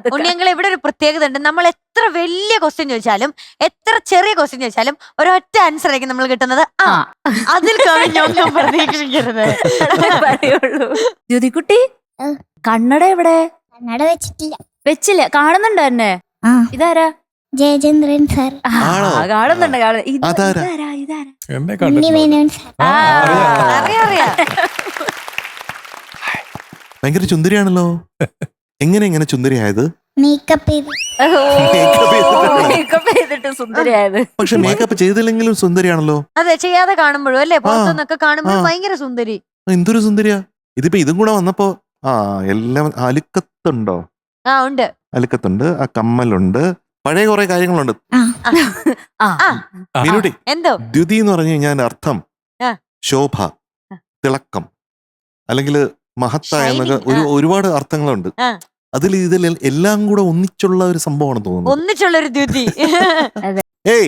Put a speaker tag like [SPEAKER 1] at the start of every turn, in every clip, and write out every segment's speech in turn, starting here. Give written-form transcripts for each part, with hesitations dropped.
[SPEAKER 1] ഉണ്ണിയങ്കൾ ഇവിടെ ഒരു പ്രത്യേകത ഉണ്ട്. നമ്മൾ എത്ര വലിയ ക്വസ്റ്റ്യൻ ചോദിച്ചാലും എത്ര ചെറിയ ക്വസ്റ്റ്യൻ ചോദിച്ചാലും ഒരൊറ്റ ആൻസർ ആയിരിക്കും നമ്മൾ കിട്ടുന്നത്. ആ അതിൽ കവിഞ്ഞൊന്നും പ്രതീക്ഷിക്കരുത്.
[SPEAKER 2] പറയുള്ളൂ. ദ്യുതിക്കുട്ടി കണ്ണട എവിടെ?
[SPEAKER 3] കണ്ണട വെച്ചിട്ടില്ല.
[SPEAKER 2] വെച്ചില്ല, കാണുന്നുണ്ടോ എന്നെ? ഇതാരാ?
[SPEAKER 3] ജയചന്ദ്രൻ സാർ.
[SPEAKER 2] കാണുന്നുണ്ട്.
[SPEAKER 3] ഉണ്ണിമേനോൻ സാർ.
[SPEAKER 1] അറിയാം.
[SPEAKER 4] ഭയങ്കര ചുന്ദരിയാണല്ലോ. എങ്ങനെ ചുന്ദരിയായത്?
[SPEAKER 3] മേക്കപ്പ് ചെയ്ത്.
[SPEAKER 2] മേക്കപ്പ് ചെയ്തിട്ട് സുന്ദരിയായത്.
[SPEAKER 4] പക്ഷെ മേക്കപ്പ് ചെയ്തില്ലെങ്കിലും സുന്ദരിയാണല്ലോ.
[SPEAKER 1] അതെ, ചെയ്യാതെ കാണുമ്പോഴും അല്ലേ, പുറത്തുനിന്നൊക്കെ കാണുമ്പോഴും ഭയങ്കര സുന്ദരി.
[SPEAKER 4] എന്തൊരു സുന്ദരിയാ. ഇതിപ്പോ ഇതും കൂടെ വന്നപ്പോ എല്ലാം അലുക്കത്തുണ്ടോ?
[SPEAKER 1] ഉണ്ട്.
[SPEAKER 4] അലുക്കത്തുണ്ട്, ആ കമ്മലുണ്ട്, പഴയ കുറെ കാര്യങ്ങളുണ്ട്. മീനുട്ടി,
[SPEAKER 1] എന്തോ
[SPEAKER 4] ദ്യുതി എന്ന് പറഞ്ഞു കഴിഞ്ഞാൽ ശോഭ, തിളക്കം, അല്ലെങ്കിൽ മഹത്തായ എന്നൊക്കെ ഒരുപാട് അർത്ഥങ്ങളുണ്ട്. ഇതിൽ എല്ലാം കൂടെ ഒന്നിച്ചുള്ള ഒരു സംഭവമാണ് തോന്നുന്നത്.
[SPEAKER 1] ഒന്നിച്ചുള്ളൊരു ദ്യുതി.
[SPEAKER 4] ഏയ്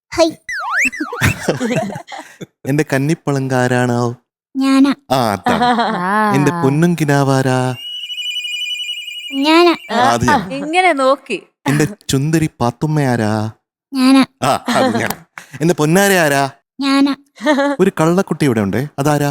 [SPEAKER 4] എന്റെ കന്നിപ്പളങ്കാരാണോ?
[SPEAKER 3] ഞാനാ.
[SPEAKER 4] എന്റെ പൊന്നും കിനാവാരാ?
[SPEAKER 3] ഞാനാ.
[SPEAKER 2] ഇങ്ങനെ നോക്കി.
[SPEAKER 4] എന്റെ ചുന്ദരി പാത്തുമ്മയാരാ?
[SPEAKER 3] ഞാനാ.
[SPEAKER 4] അത് ഞാൻ. എന്റെ പൊന്നാര ആരാ?
[SPEAKER 3] ഞാനാ.
[SPEAKER 4] ഒരു കള്ളക്കുട്ടി ഇവിടെ ഉണ്ടേ, അതാരാ?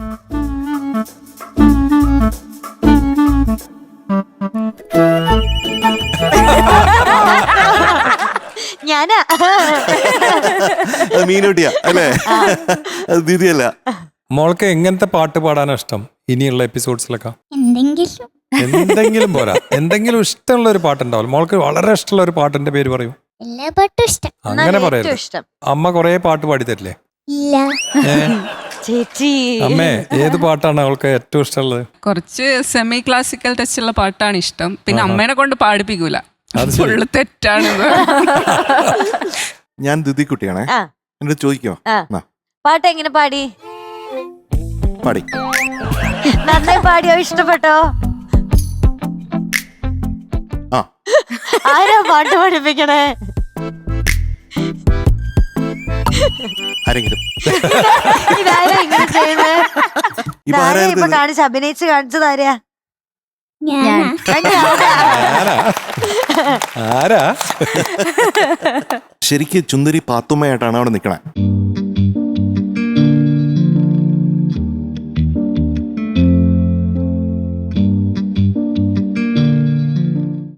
[SPEAKER 1] ഞാനാ.
[SPEAKER 4] മീനൂട്ടിയാ അല്ലേ? അത് ദീദിയല്ല.
[SPEAKER 5] മോൾക്ക് എങ്ങനത്തെ പാട്ട് പാടാനാ ഇഷ്ടം ഇനിയുള്ള എപ്പിസോഡ്സിലൊക്കെ?
[SPEAKER 3] എന്തെങ്കിലും
[SPEAKER 5] പോരാ, എന്തെങ്കിലും ഇഷ്ടമുള്ള ഒരു പാട്ടുണ്ടാവില്ല മോൾക്ക്? വളരെ ഇഷ്ടമുള്ള ഒരു പാട്ടിന്റെ പേര് പറയൂ.
[SPEAKER 3] എല്ലാ പാട്ടും ഇഷ്ടം.
[SPEAKER 5] അങ്ങനെ പറയരുത്. അമ്മ കൊറേ പാട്ട് പാടി തരില്ലേ?
[SPEAKER 3] ഇല്ല
[SPEAKER 1] ചേച്ചി.
[SPEAKER 5] അമ്മേ, ഏത് പാട്ടാണ് അവൾക്ക് ഏറ്റവും ഇഷ്ടമുള്ളത്?
[SPEAKER 6] കുറച്ച് സെമി ക്ലാസിക്കൽ ടച്ച് ഉള്ള പാട്ടാണ് ഇഷ്ടം. പിന്നെ അമ്മേനെ കൊണ്ട് പാടിപ്പിക്കൂല, ഫുള്ള് തെറ്റാണ്.
[SPEAKER 4] ഞാൻ ദുദിക്കുട്ടിയാണേ. എന്നോട് ചോദിക്കോ
[SPEAKER 1] പാട്ട് എങ്ങനെ പാടി?
[SPEAKER 4] പാടി
[SPEAKER 1] നന്നായി പാടിയോ? ഇഷ്ടപ്പെട്ടോ? ആരാ പാട്ട് പഠിപ്പിക്കണേ?
[SPEAKER 4] ആരെങ്കിലും
[SPEAKER 1] ഇതാരാ ഇങ്ങനെ ചെയ്യുന്നത്? ഇപ്പൊ കാണിച്ച് അഭിനയിച്ച് കാണിച്ചതാരാ?
[SPEAKER 4] ശരിക്കും ചുന്ദരി പാത്തുമ്മയായിട്ടാണ് അവിടെ നിക്കണേ.